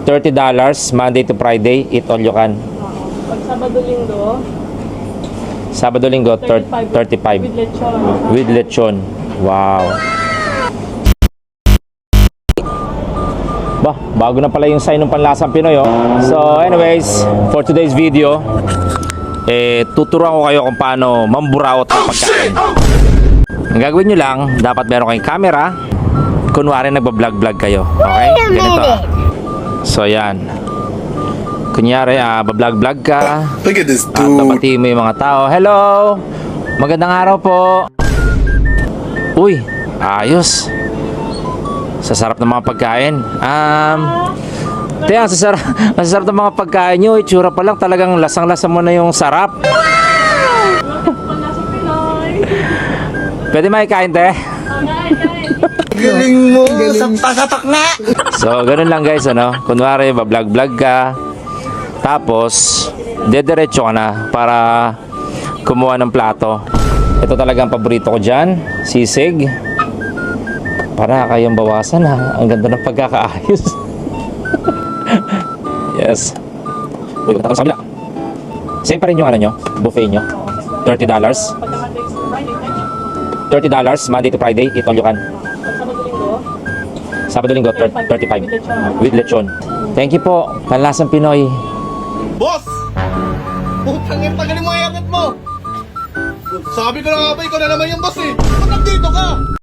$30, Monday to Friday, eat all you can. Pag Sabado-Linggo, Sabado-Linggo, 35. with lechon. With lechon. Wow. Bah, bago na pala yung sign ng Panlasang Pinoy, oh. So anyways, for today's video, tuturuan ko kayo kung paano mamburaot ng pagkain. Ang gagawin nyo lang, dapat meron kayong camera. Kunwari nagbablog-vlog kayo. Okay? Ganito. So yan. Kunyari, bablog-vlog ka. Look at this At dude. babatiin mo yung mga tao. Hello! Magandang araw po. Uy, ayos. Sasarap ng mga pagkain. Ang sasarap ng mga pagkain nyo. Itsura pa lang, talagang lasang-lasa mo na yung sarap. Panlasang Pinoy. Pwede maikain, te? Kain. Galing mo. Sapak na. So, ganun lang guys, ano? Kunwari, bablog-vlog ka. Tapos, dediretso ka na para kumuha ng plato. Ito talagang paborito ko dyan. Sisig. Para kayong bawasan, ha? Ang ganda ng pagkakaayos. Yes. Uy, punta ko sa kabila. Same pa rin yung ano nyo, buffet nyo. $30. Pagka Monday to Friday, $30, Monday to Friday, eat all you can. pag Sabado-Linggo, Sabado-Linggo, 35. With lechon. Thank you po, Panlasang Pinoy. Boss! Putang ina, tagalin mo yung yakot mo. Sabi ko na nga ba, ikaw na naman yung boss eh. Ba't nandito ka?